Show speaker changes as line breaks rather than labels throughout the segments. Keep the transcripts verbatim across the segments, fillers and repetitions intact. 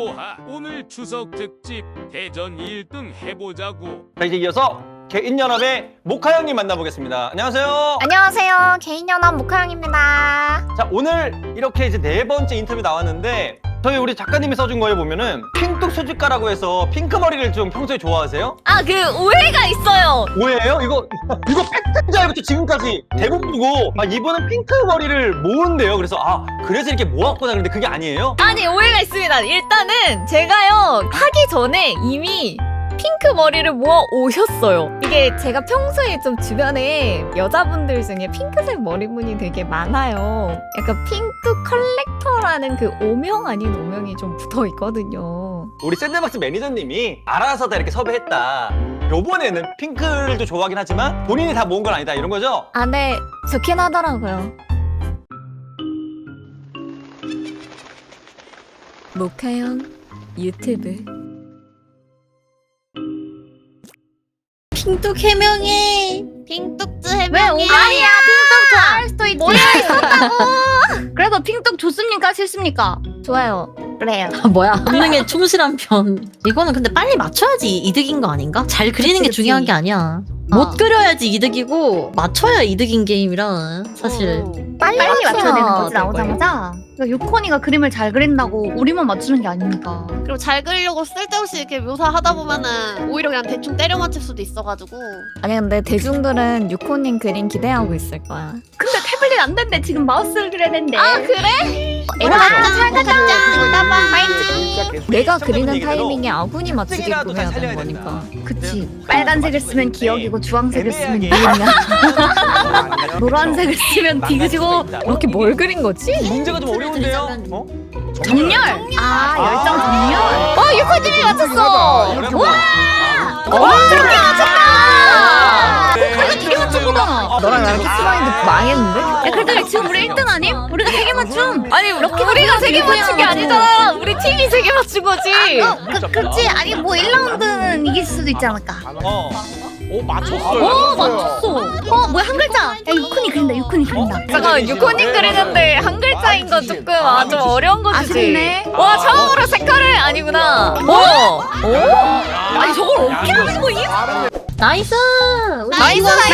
뭐하 오늘 추석 특집 대전 일 등 해보자고.
자, 이제 이어서 개인연합의 모카 형님 만나보겠습니다. 안녕하세요.
안녕하세요. 개인연합 모카형입니다.
자, 오늘 이렇게 이제 네 번째 인터뷰 나왔는데 저희 우리 작가님이 써준 거에 보면은 핑뚝 수집가라고 해서 핑크 머리를 좀 평소에 좋아하세요?
아, 그 오해가 있어요.
오해예요? 이거 이거 팩트인 줄 알고 지금까지 대본 보고 아 이분은 핑크 머리를 모은대요. 그래서 아 그래서 이렇게 모았구나. 근데 그게 아니에요?
아니, 오해가 있습니다. 일단은 제가요, 하기 전에 이미 핑크 머리를 모아 오셨어요. 이게 제가 평소에 좀 주변에 여자분들 중에 핑크색 머리분이 되게 많아요. 약간 핑크 컬렉터라는 그 오명 아닌 오명이 좀 붙어 있거든요.
우리 샌드박스 매니저님이 알아서 다 이렇게 섭외했다. 요번에는 핑크를 좀 좋아하긴 하지만 본인이 다 모은 건 아니다 이런 거죠?
아, 네. 좋긴 하더라고요. 모카형 유튜브.
핑뚝 해명해. 핑뚝즈 해명해.
왜 오감이야? 핑뚝 좋아할 수도 있지.
뭐야, 있었다고!
그래서 핑뚝 좋습니까? 싫습니까?
좋아요.
그래요.
아, 뭐야? 본능에 충실한 편. 이거는 근데 빨리 맞춰야지 이득인 거 아닌가? 잘 그리는 게
그치,
중요한
그치.
게 아니야.
어.
못 그려야지 이득이고 맞춰야 이득인 게임이라 사실.
빨리,
빨리 맞춰야 되는 거지,
될
나오자마자. 그러니까 유코니가 그림을 잘 그린다고 우리만 맞추는 게 아닙니까?
그리고 잘 그리려고 쓸데없이 이렇게 묘사하다 보면은 오히려 그냥 대충 때려 맞힐 수도 있어가지고.
아니, 근데 대중들은 유코님 그림 기대하고 있을 거야.
근데 태블릿 안 된대. 지금 마우스를 그려야 된대.
아, 그래?
잘 가자.
내가
시청자분
그리는
얘기대로
타이밍에 아군이 맞추게끔
땡이라도 잘
해야
살려야
되는
된다.
거니까.
그치. 빨간색을 쓰면 기억이고 주황색을 쓰면
애매하게.
니은이야. 노란색을 쓰면 디귿이고.
이렇게 뭘 그린 거지?
문제가 좀 어려운데요? 어?
정렬. 아, 열정 정렬.
어, 유코님이 맞췄어!
와!
어, 저렇게 맞췄다!
이게 맞춘 거잖아.
너랑 나랑 키스마인드 망했는데?
야, 그래도 지금 우리 일 등 아님? 우리가 세 개 맞춤.
아니, 우리가 세 개 맞춘 게 아니잖아! 우리 팀이 세 개 맞춘 거지!
그, 그치. 아니, 뭐 일 라운드는 이길 수도 있지 않을까.
어. 오 맞췄어요.
오, 맞췄어. 어, 뭐야, 한 글자. 야, 유코니 그린다, 유코니 그린다.
잠깐만, 유코님 그리는데 한 글자인 건 조금 아, 좀 어려운 거지.
아쉽네.
와, 처음으로 색깔을 아니구나. 오! 오? 아니, 저걸 어떻게 하는 거야?
나이스.
나이스, 나이스!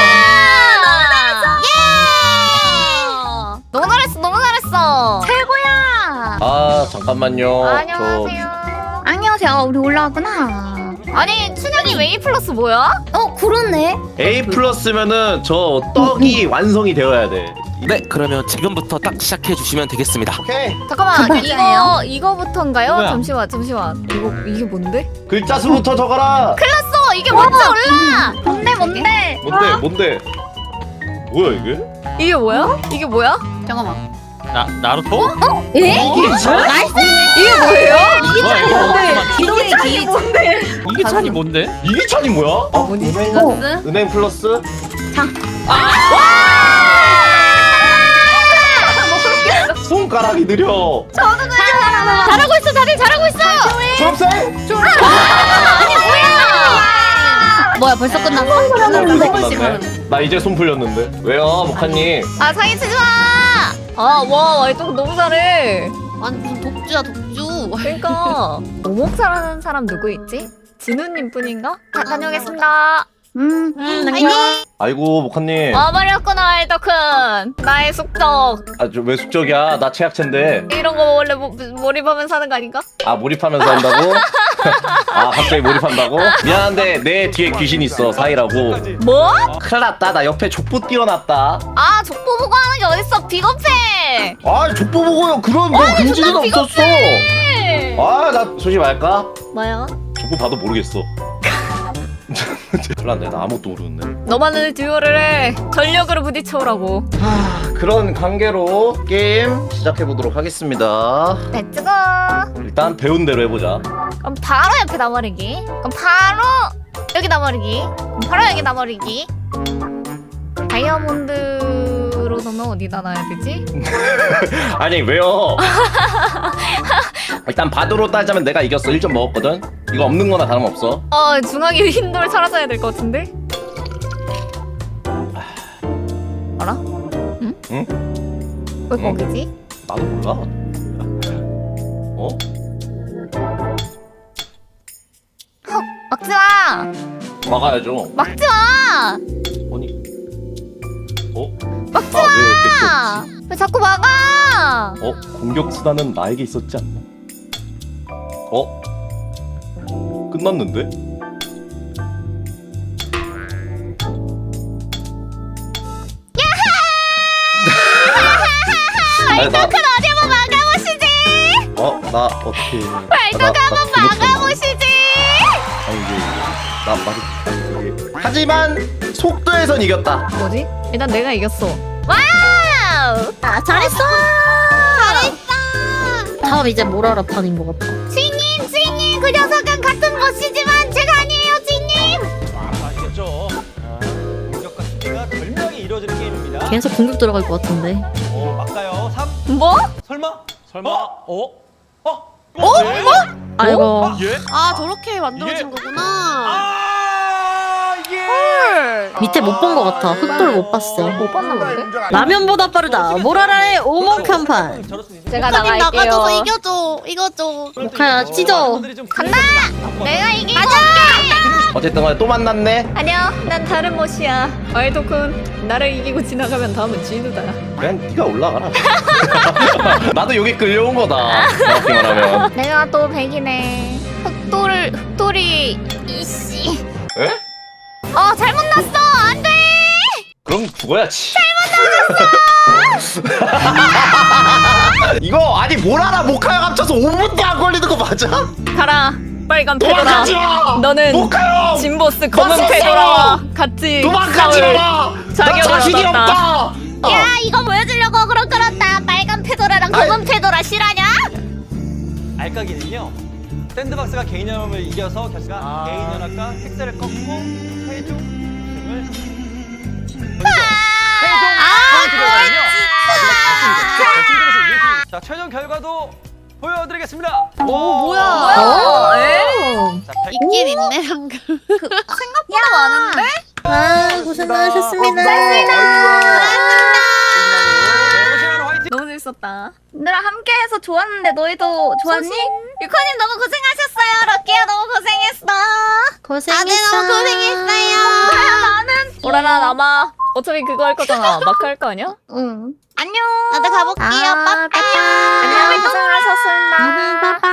너무 잘했어, 너무 잘했어.
최고야.
아 잠깐만요.
안녕하세요.
안녕하세요. 우리 올라왔구나.
아니, 춘향이 웨이 플러스 뭐야?
어, 그렇네.
저 A 플러스면은 저 떡이 완성이 되어야 돼.
네, 그러면 지금부터 딱 시작해 주시면 되겠습니다.
오케이.
잠깐만,
글자예요?
이거 이거부터인가요?
뭐야?
잠시만, 잠시만. 이거 이게 뭔데?
글자 수부터 적어라.
어, 이게 먼저 올라.
뭔데, 뭔데?
뭔데 뭔데? 뭐야 이게?
이게 뭐야? 이게 뭐야?
잠깐만.
나 나루토?
에?
나이스.
이게 뭐예요?
뭐야 이거?
기둥이
뭔데?
이게 찬이 뭔데?
이게 찬이 뭐야? 어?
뭐니?
은행, 은행 플러스? 손가락이 느려.
잘하고 있어, 다들 잘하고 있어.
초록색?
뭐야, 벌써 끝났어?
끝났네. 나 이제 손 풀렸는데. 왜요, 목하님?
아, 사기 치지 마. 아, 와, 와이또 너무 잘해.
아니 무슨 독주야 독주.
그러니까 오목 잘하는 사람 누구 있지? 진우님 뿐인가? 다 다녀오겠습니다.
음.
아이고 목하님.
와버렸구나, 알더큰. 나의 숙적.
아왜 숙적이야? 나 최악체인데.
이런 거 원래 모, 몰입하면서 하는 거 아닌가?
아 몰입하면서 한다고? 아 갑자기 몰입한다고? 미안한데 내 뒤에 귀신 있어 사이라고.
뭐?
큰일 났다. 나 옆에 족보 띄워놨다.
아, 족보 보고 하는 게 어딨어, 비겁해.
아 족보 보고요. 그런 뭐 금지는
존나
없었어. 아 나 솔직히 말할까?
뭐야?
족보 봐도 모르겠어. 큰일 났네. 나 아무것도 모르는데.
너만은 듀오를 해. 전력으로 부딪혀오라고.
하, 그런 관계로 게임 시작해보도록 하겠습니다.
렛츠고.
일단 배운 대로 해보자.
그럼 바로 옆에 나버리기. 그럼 바로 여기 나버리기. 그럼 바로 여기 나버리기. 다이아몬드로 넣으면 어디다 놔야 되지?
아니 왜요? 일단 바도로 따지자면 내가 이겼어. 일 점 먹었거든. 이거 없는 거나 다름없어.
어, 중앙에 흰돌 사라져야 될 것 같은데? 알아? 응?
응?
왜
응?
거기지?
나도 몰라. 어? 막아야죠.
막지 마.
아니. 어?
막지
나왜
마. 왜 자꾸 막아?
어? 공격 수단은 나에게 있었지 않나? 어? 끝났는데?
말도
나,
큰 어디 한번 막아보시지.
어? 나 어떻게
말도 한번 막아보시지.
아니 이게 나 말이 이게 하지만 속도에선 이겼다.
뭐지? 일단 내가 이겼어. 와우.
아 잘했어. 잘했어. 다음 이제 모라라판인 것 같아.
주인님, 주인님, 그 녀석은 같은 멋이지만 제가 아니에요, 주인님.
아시겠죠? 공격과 수비가 절묘하게 이루어지는 게임입니다.
계속 공격 들어갈 것 같은데.
어, 막가요. 삼.
뭐?
설마?
설마?
어? 어? 어?
어?
네?
뭐?
아이고.
예?
아 저렇게 만들어진
이게-
거구나.
아, 이게
밑에 못 본 것 같아. 흑돌 못 봤어.
못 봤나 본데?
라면보다 빠르다. 모라라의 오목한판.
제가
모카님
나갈게요.
나가줘서 이겨줘. 이겨줘.
모카야 찢어.
간다! 내가 이기고
어쨌든 간에 또 만났네.
아니야, 난 다른 멋이야. 와일드쿤, 나를 이기고 지나가면 다음은 진우다.
그냥 네가 올라가라. 나도 여기 끌려온 거다. 정확히 말하면.
내가 또 백이네. 흑돌, 흑돌이 이씨.
에?
어, 잘못 났어. 안 돼.
그럼 죽어야지. 이거 아니 뭘 알아? 모카야 합쳐서 오 분도 안 걸리는 거 맞아?
가라. 빨간 페도라.
도망가지 마!
너는
모카요!
진보스 검은
맞았어!
페도라와 같이
도망가지
싸울
마! 나
자격을
자신이
얻었다.
없다!
야, 이거 보여주려고 그런 거란다. 빨간 페도라랑 검은 페도라 실화냐?
알까기는요. 샌드박스가 개인 연합을 이겨서 결승가 개인 연합과 팩스를 꺾고 최종 우승을 자, 최종 결과도 보여드리겠습니다.
오 뭐야?
어, 에?
자, 백-
있긴 있네 방금.
생각보다 많은데?
아 고생 많으셨습니다.
네, 고생하는 화이팅!
너무 재밌었다.
얘들아 함께해서 좋았는데 너희도 좋았니?
유커님 너무 고생하셨어요. 럭키야 너무 고생했어.
고생했어.
다들 너무 고생했어요.
나는 오라라 남아. 어차피 그거 할 거잖아. 마크 할 거 아니야?
응. 안녕.
나도 가볼게요.
아,
빠빠.
안녕. 고생하셨습니다.
빠빠.